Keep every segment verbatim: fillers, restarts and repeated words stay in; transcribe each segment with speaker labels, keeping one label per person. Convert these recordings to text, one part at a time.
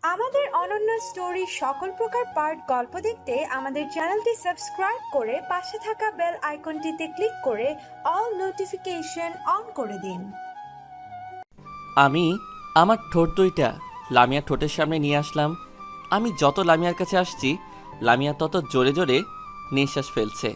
Speaker 1: আমাদের অনন্য স্টোরি সকল প্রকার পার্ট গল্প দেখতে আমাদের চ্যানেলটি সাবস্ক্রাইব করে পাশে থাকা বেল আইকনটিতে ক্লিক করে অল নোটিফিকেশন অন করে দিন।
Speaker 2: আমি আমার ঠোঁট দুইটা লামিয়ার ঠোঁটের সামনে নিয়ে আসলাম। আমি যত লামিয়ার কাছে আসছি লামিয়া তত জোরে জোরে নিঃশ্বাস ফেলছে।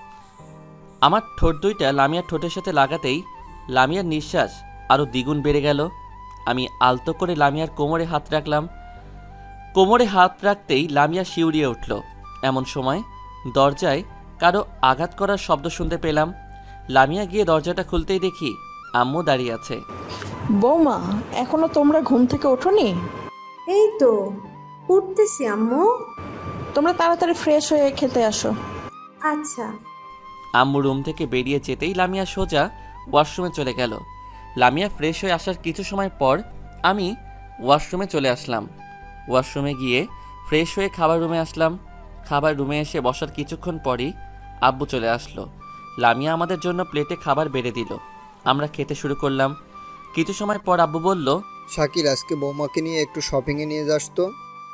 Speaker 2: আমার ঠোঁট দুইটা লামিয়ার ঠোঁটের সাথে লাগাতেই লামিয়ার নিঃশ্বাস আরও দ্বিগুণ বেড়ে গেল। আমি আলতো করে লামিয়ার কোমরে হাত রাখলাম। কোমরে হাত রাখতেই লামিয়া শিউরিয়ে উঠল। এমন সময় দরজায় কারো আঘাত করার শব্দ শুনতে পেলাম। লামিয়া গিয়ে দরজাটা খুলতেই দেখি আম্মু দাঁড়িয়ে আছে।
Speaker 3: বৌমা, এখনো তোমরা ঘুম থেকে ওঠোনি?
Speaker 1: এই তো উঠতেছি আম্মু।
Speaker 3: তোমরা তাড়াতাড়ি ফ্রেশ হয়ে খেতে আসো।
Speaker 1: আচ্ছা।
Speaker 2: আম্মু রুম থেকে বেরিয়ে যেতেই লামিয়া সোজা ওয়াশরুমে চলে গেল। লামিয়া ফ্রেশ হয়ে আসার কিছু সময় পর আমি ওয়াশরুমে চলে আসলাম। ওয়াশরুমে গিয়ে ফ্রেশ হয়ে খাবার রুমে আসলাম। খাবার রুমে এসে বসার কিছুক্ষণ পরই আব্বু চলে আসলো। লামিয়া আমাদের জন্য প্লেটে খাবার বেড়ে দিল। আমরা খেতে শুরু করলাম। কিছু সময় পর আব্বু বলল,
Speaker 4: শাকির, আজকে বৌমাকে নিয়ে একটু শপিংয়ে নিয়ে যাস তো।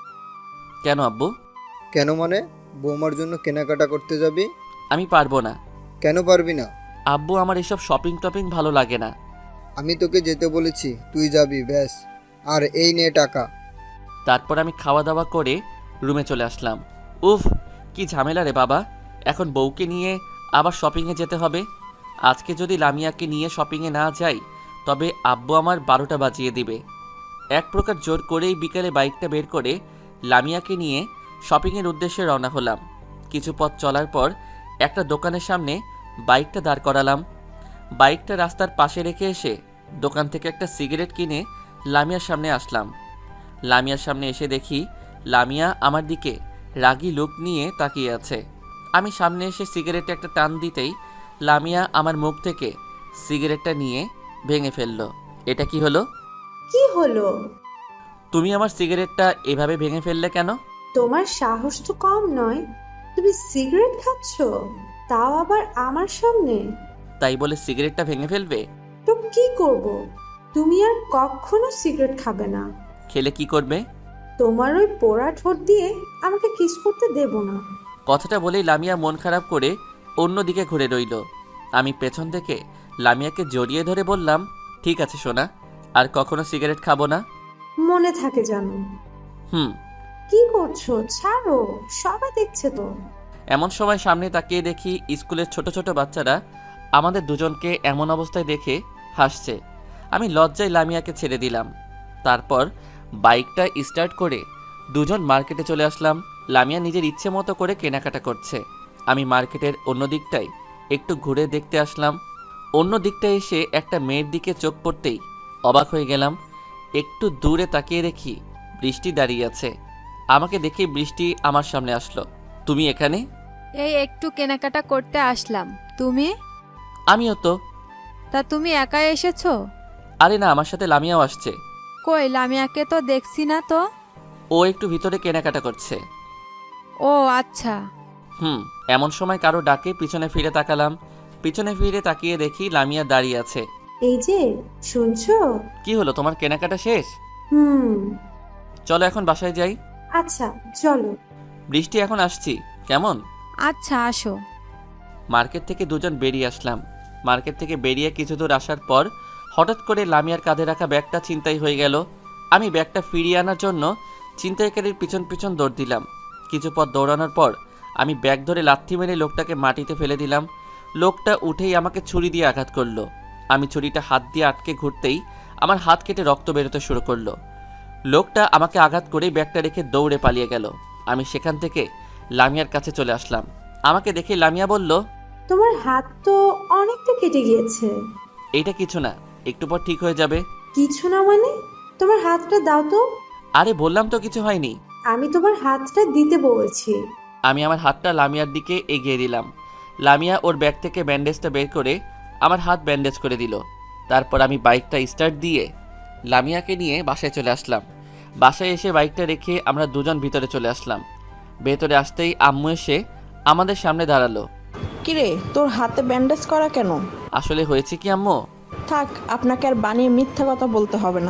Speaker 2: কেন আব্বু?
Speaker 4: কেন মানে? বৌমার জন্য কেনাকাটা করতে যাবি?
Speaker 2: আমি পারবো না।
Speaker 4: কেন পারবি না?
Speaker 2: আব্বু, আমার এসব শপিং টপিং ভালো লাগে না।
Speaker 4: আমি তোকে যেতে বলেছি, তুই যাবি ব্যাস। আর এই নে টাকা।
Speaker 2: তারপর আমি খাওয়া দাওয়া করে রুমে চলে আসলাম। উফ, কি ঝামেলা রে বাবা, এখন বউকে নিয়ে আবার শপিংয়ে যেতে হবে। আজকে যদি লামিয়াকে নিয়ে শপিংয়ে না যাই তবে আব্বু আমার বারোটা বাজিয়ে দিবে। এক প্রকার জোর করেই বিকেলে বাইকটা বের করে লামিয়াকে নিয়ে শপিংয়ের উদ্দেশ্যে রওনা হলাম। কিছু পথ চলার পর একটা দোকানের সামনে বাইকটা দাঁড় করালাম। বাইকটা রাস্তার পাশে রেখে এসে দোকান থেকে একটা সিগারেট কিনে লামিয়ার সামনে আসলাম। লামিয়ার সামনে এসে দেখি লামিয়া আমার দিকে রাগী লুক নিয়ে তাকিয়ে আছে। আমি সামনে এসে সিগারেটে একটা টান দিতেই লামিয়া আমার মুখ থেকে সিগারেটটা নিয়ে ভেঙে ফেললো। এটা কি হলো?
Speaker 1: কি হলো?
Speaker 2: তুমি আমার সিগারেটটা এভাবে ভেঙে ফেললে কেন?
Speaker 1: তোমার সাহস তো কম নয়, তুমি সিগারেট খাচ্ছ, তাও আবার আমার সামনে।
Speaker 2: তাই বলে সিগারেটটা ভেঙে ফেলবে?
Speaker 1: তো কি করব? তুমি আর কখনো সিগারেট খাবে না।
Speaker 2: খেলে কি করবে?
Speaker 1: তোমার ওই পোড়া ঠোঁট দিয়ে আমাকে কিস করতে দেব না।
Speaker 2: কথাটা বলেই লামিয়া মন খারাপ করে অন্যদিকে ঘুরে রইল। আমি পেছন থেকে লামিয়াকে জড়িয়ে ধরে বললাম, ঠিক আছে সোনা, আর কখনো সিগারেট খাবো না।
Speaker 1: মনে থাকে জানো।
Speaker 2: হুম।
Speaker 1: কি করছো? ছাড়ো, সবাই দেখছে তো।
Speaker 2: এমন সময় সামনে তাকিয়ে দেখি স্কুলের ছোট ছোট বাচ্চারা আমাদের দুজনকে এমন অবস্থায় দেখে হাসছে। আমি লজ্জায় লামিয়াকে ছেড়ে দিলাম। তারপর বাইকটা স্টার্ট করে দুজন মার্কেটে চলে আসলাম। লামিয়া নিজের ইচ্ছে মতো করে কেনাকাটা করছে। আমি মার্কেটের অন্য দিকটায় একটু ঘুরে দেখতে আসলাম। অন্য দিকটায় এসে একটা মেয়ের দিকে চোখ পড়তেই অবাক হয়ে গেলাম। একটু দূরে তাকিয়ে দেখি বৃষ্টি দাঁড়িয়ে আছে। আমাকে দেখে বৃষ্টি আমার সামনে আসলো। তুমি এখানে?
Speaker 5: এই একটু কেনাকাটা করতে আসলাম। তুমি?
Speaker 2: আমিও তো।
Speaker 5: তা তুমি একাই এসেছো?
Speaker 2: আরে না, আমার সাথে লামিয়াও আসছে।
Speaker 5: কই, লামিয়াকে তো দেখছি না তো।
Speaker 2: ও একটু ভিতরে কেনাকাটা করছে।
Speaker 5: ও আচ্ছা।
Speaker 2: হুম। এমন সময় কারো ডাকে পিছনে ফিরে তাকালাম। পিছনে ফিরে তাকিয়ে দেখি লামিয়া দাঁড়িয়ে আছে।
Speaker 1: এই যে, শুনছো?
Speaker 2: কি হলো, তোমার কেনাকাটা শেষ?
Speaker 1: হুম।
Speaker 2: চলো এখন বাসায় যাই।
Speaker 1: আচ্ছা চলো।
Speaker 2: বৃষ্টি, এখন আসছি কেমন?
Speaker 5: আচ্ছা আসো।
Speaker 2: মার্কেট থেকে দুজন বেরিয়ে আসলাম। মার্কেট থেকে বেরিয়ে কিছু দূর আসার পর হঠাৎ করে লামিয়ার কাঁধে রাখা ব্যাগটা ছিনতাই হয়ে গেল। আমি ব্যাগটা ফিরিয়ে আনার জন্য ছিনতাইকারীর পিছন পিছন দৌড় দিলাম। কিছু পথ দৌড়ানোর পর আমি ব্যাগ ধরে লাথি মেরে লোকটাকে মাটিতে ফেলে দিলাম। লোকটা উঠেই আমাকে ছুরি দিয়ে আঘাত করলো। আমি ছুরিটা হাত দিয়ে আটকে ঘুরতেই আমার হাত কেটে রক্ত বেরোতে শুরু করলো। লোকটা আমাকে আঘাত করেই ব্যাগটা রেখে দৌড়ে পালিয়ে গেল। আমি সেখান থেকে লামিয়ার কাছে চলে আসলাম। আমাকে দেখে লামিয়া বলল,
Speaker 1: তোমার হাত তো অনেকটা কেটে গিয়েছে।
Speaker 2: এইটা কিছু না, একটু পর ঠিক হয়ে যাবে।
Speaker 1: কিছু না মানে? তোমার হাতটা দাও তো।
Speaker 2: আরে বললাম তো কিছু হয়নি।
Speaker 1: আমি তোমার হাতটা দিতে বলেছি।
Speaker 2: আমি আমার হাতটা লামিয়ার দিকে এগিয়ে দিলাম। লামিয়া ওর ব্যাগ থেকে ব্যান্ডেজটা বের করে আমার হাত ব্যান্ডেজ করে দিল। তারপর আমি বাইকটা স্টার্ট দিয়ে লামিয়াকে নিয়ে বাসায় চলে আসলাম। বাসায় এসে বাইকটা রেখে আমরা দুজন ভিতরে চলে আসলাম। ভেতরে আসতেই আম্মু এসে আমাদের সামনে দাঁড়ালো।
Speaker 3: কিরে, তোর হাতে ব্যান্ডেজ করা কেন?
Speaker 2: আসলে হয়েছে কি আম্মু?
Speaker 3: থাক, আপনাকে আর বানিয়ে মিথ্যা কথা বলতে হবে না।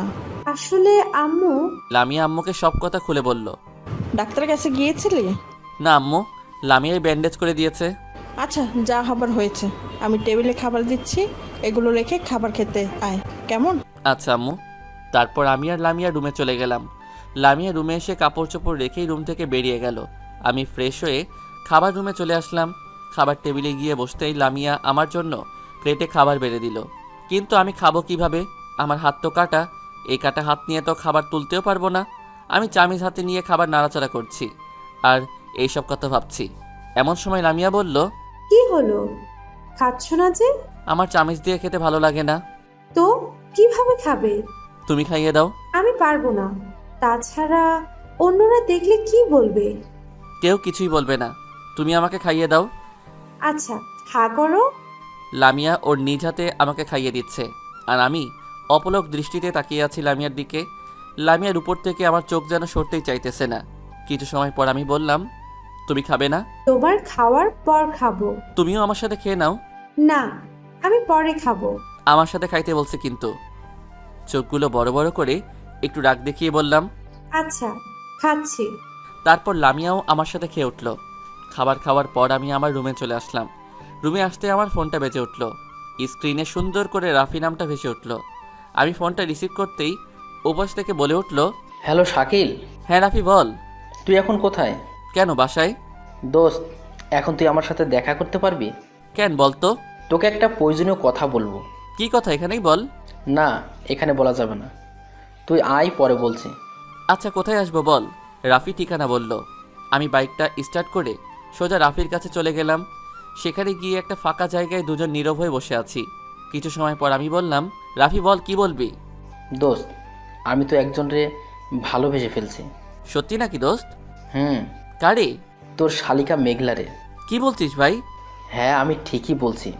Speaker 1: আসলে আম্মু।
Speaker 2: লামিয়া আম্মুকে সব কথা খুলে বলল।
Speaker 3: ডাক্তারের কাছে গিয়েছিলি?
Speaker 2: না আম্মু, লামিয়াই ব্যান্ডেজ করে দিয়েছে।
Speaker 3: আচ্ছা, যা হবার হয়েছে। আমি টেবিলে খাবার দিচ্ছি, এগুলো রেখে খাবার খেতে আয়, কেমন?
Speaker 2: আচ্ছা আম্মু। তারপর আমি আর লামিয়া রুমে চলে গেলাম। লামিয়া রুমে এসে কাপড় চোপড় রেখেই রুম থেকে বেরিয়ে গেল। আমি ফ্রেশ হয়ে খাবার রুমে চলে আসলাম। খাবার টেবিলে গিয়ে বসতেই লামিয়া আমার জন্য প্লেটে খাবার বেড়ে দিল। কিন্তু আমি খাবো কিভাবে? আমার হাত তো কাটা। এই কাটা হাত নিয়ে তো খাবার তুলতেও পারবো না। আমি চামিচ হাতে নিয়ে খাবার নাড়াচাড়া করছি আর এইসব কথা ভাবছি। এমন সময় লামিয়া বলল,
Speaker 1: কি হলো? খাচ্ছ না যে?
Speaker 2: আমার চামিচ দিয়ে খেতে ভালো লাগে না।
Speaker 1: তো কিভাবে খাবে?
Speaker 2: তুমি খাইয়ে দাও।
Speaker 1: আমি পারবো না। তাছাড়া অন্যরা দেখলে কি বলবে?
Speaker 2: কেউ কিছুই বলবে না, তুমি আমাকে খাইয়ে দাও।
Speaker 1: আচ্ছা, হা করো।
Speaker 2: লামিয়া ওর নিজ হাতে আমাকে খাইয়ে দিচ্ছে আর আমি অপলক দৃষ্টিতে তাকিয়ে আছি লামিয়ার দিকে। লামিয়ার উপর থেকে আমার চোখ যেন সরতেই চাইতেছে না। কিছু সময় পর আমি বললাম, তুমি খাবে না?
Speaker 1: তোমার খাওয়ার পর খাবো।
Speaker 2: তুমিও আমার সাথে খেয়ে নাও।
Speaker 1: না, আমি পরে খাবো।
Speaker 2: আমার সাথে খাইতে বলছে কিন্তু। চোখগুলো বড় বড় করে একটু রাগ দেখিয়ে বললাম,
Speaker 1: আচ্ছা, খাচ্ছি।
Speaker 2: তারপর লামিয়াও আমার সাথে খেয়ে উঠল। খাবার খাওয়ার পর আমি আমার রুমে চলে আসলাম। রুমে আসতে আমার ফোনটা বেজে উঠল। স্ক্রিনে সুন্দর করে রাফি নামটা ভেসে উঠল। আমি ফোনটা রিসিভ করতেই ওপাশ থেকে বলে উঠল,
Speaker 6: হ্যালো শাকিল,
Speaker 2: হ্যাঁ রাফি বল।
Speaker 6: তুই এখন কোথায়?
Speaker 2: কেন, বাসায়।
Speaker 6: দোস্ত, এখন তুই আমার সাথে দেখা করতে পারবি?
Speaker 2: কেন বলতো?
Speaker 6: তোকে একটা প্রয়োজনীয় কথা বলবো।
Speaker 2: কি কথা, এখানেই বল।
Speaker 6: না, এখানে বলা যাবে না, তুই আয়, পরে বলছি।
Speaker 2: আচ্ছা কোথায় আসবো বল। রাফি ঠিকানা বলল। আমি বাইকটা স্টার্ট করে সোজা রাফির কাছে চলে গেলাম। সেখানে গিয়ে একটা ফাঁকা জায়গায় দুজন নীরব হয়ে বসে আছি। কিছু সময় পর আমি বললাম, রাফি বল, কি বলবি?
Speaker 6: দোস্ত, আমি তো একজনরে ভালোবেসে ফেলছি।
Speaker 2: সত্যি নাকি দোস্ত?
Speaker 6: হুম,
Speaker 2: কারে?
Speaker 6: তোর শালিকা মেঘলারে।
Speaker 2: কি বলছিস ভাই?
Speaker 6: হ্যাঁ, আমি ঠিকই বলছি।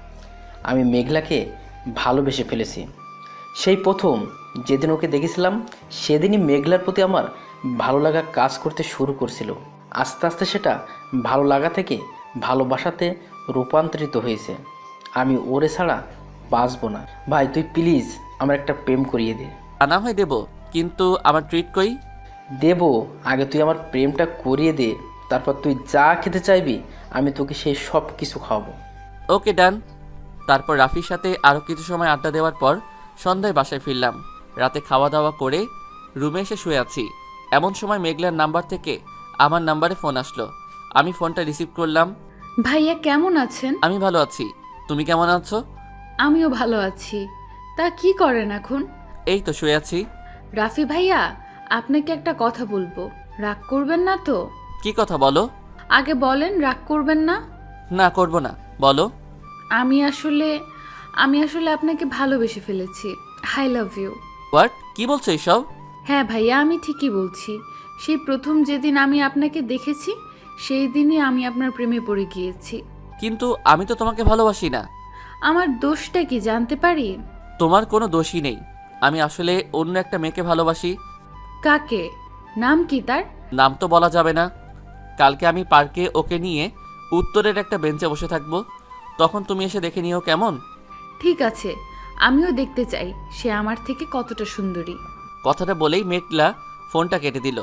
Speaker 6: আমি মেঘলাকে ভালোবেসে ফেলেছি। সেই প্রথম যেদিন ওকে দেখেছিলাম সেদিনই মেঘলার প্রতি আমার ভালো লাগা কাজ করতে শুরু করছিল। আস্তে আস্তে সেটা ভালো লাগা থেকে ভালোবাসাতে রূপান্তরিত হয়েছে। আমি ওরে ছাড়া বাঁচবো না। ভাই, তুই প্লিজ আমার একটা প্রেম করিয়ে দে।
Speaker 2: আনা হয় দেব, কিন্তু আমার ট্রিট কই?
Speaker 6: দেব, আগে তুই আমার প্রেমটা করিয়ে দে, তারপর তুই যা খেতে চাইবি আমি তোকে সেই সব কিছু খাওয়াবো।
Speaker 2: ওকে ডান। তারপর রাফির সাথে আরও কিছু সময় আড্ডা দেওয়ার পর সন্ধ্যায় বাসায় ফিরলাম। রাতে খাওয়া দাওয়া করে রুমে এসে শুয়ে আছি। এমন সময় মেঘলার নাম্বার থেকে আমার নাম্বারে ফোন আসলো। আমি ফোনটা রিসিভ করলাম।
Speaker 7: ভাইয়া কেমন আছেন?
Speaker 2: আমি ভালো আছি, তুমি কেমন আছো?
Speaker 7: আমিও ভালো আছি। তা কি করেন এখন?
Speaker 2: এই তো শুয়ে আছি।
Speaker 7: রাফি ভাইয়া, আপনাকে একটা কথা বলবো, রাগ করবেন না তো?
Speaker 2: কি কথা বলো?
Speaker 7: আগে বলেন, রাগ করবেন না?
Speaker 2: না করব না, বলো।
Speaker 7: আমি আসলে আমি আসলে আপনাকে ভালোবেসে ফেলেছি। I love you.
Speaker 2: হোয়াট? কি বলছো এইসব?
Speaker 7: হ্যাঁ ভাইয়া, আমি ঠিকই বলছি। সেই প্রথম যেদিন আমি আপনাকে দেখেছি সেই দিনই আমি আপনার প্রেমে পড়ে গিয়েছি।
Speaker 2: কিন্তু আমি তো তোমাকে ভালোবাসি না।
Speaker 7: আমার দোষটা কি জানতে পারি?
Speaker 2: তোমার কোনো দোষই নেই। আমি আসলে অন্য একটা মেয়েকে ভালোবাসি।
Speaker 7: কাকে? নাম কি তার?
Speaker 2: নাম তো বলা যাবে না। কালকে আমি পার্কে ওকে নিয়ে উত্তরের একটা বেঞ্চে বসে থাকবো, তখন তুমি এসে দেখে নিও, কেমন?
Speaker 7: ঠিক আছে, আমিও দেখতে চাই সে আমার থেকে কতটা সুন্দরী।
Speaker 2: কথাটা বলেই মেঘলা ফোনটা কেটে দিল।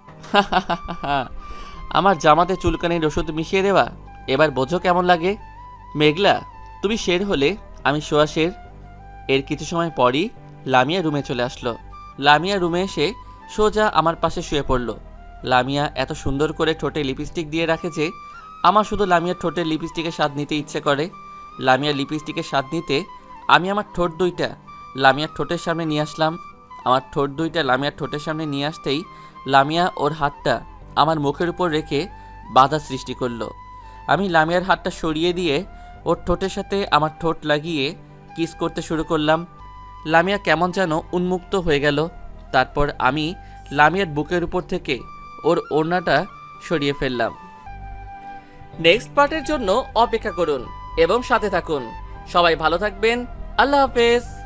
Speaker 2: আমার জামাতে চুলকানির ওষুধ মিশিয়ে দেওয়া, এবার বোঝো কেমন লাগে। মেঘলা, তুমি শের হলে আমি শোয়া শের। এর কিছু সময় পরই লামিয়া রুমে চলে আসলো। লামিয়া রুমে এসে সোজা আমার পাশে শুয়ে পড়ল। লামিয়া এত সুন্দর করে ঠোঁটে লিপস্টিক দিয়ে রাখে যে আমার শুধু লামিয়ার ঠোঁটের লিপস্টিকের স্বাদ নিতে ইচ্ছে করে। লামিয়ার লিপস্টিকের স্বাদ নিতে আমি আমার ঠোঁট দুইটা লামিয়ার ঠোঁটের সামনে নিয়ে আসলাম। আমার ঠোঁট দুইটা লামিয়ার ঠোঁটের সামনে নিয়ে আসতেই লামিয়া ওর হাতটা আমার মুখের উপর রেখে বাধা সৃষ্টি করলো। আমি লামিয়ার হাতটা সরিয়ে দিয়ে ওর ঠোঁটের সাথে আমার ঠোঁট লাগিয়ে কিস করতে শুরু করলাম। লামিয়া কেমন যেন উন্মুক্ত হয়ে গেল। তারপর আমি লামিয়ার বুকের উপর থেকে ওর ওড়নাটা সরিয়ে ফেললাম। নেক্সট পার্টের জন্য অপেক্ষা করুন এবং সাথে থাকুন। সবাই ভালো থাকবেন। আল্লাহ হাফেজ।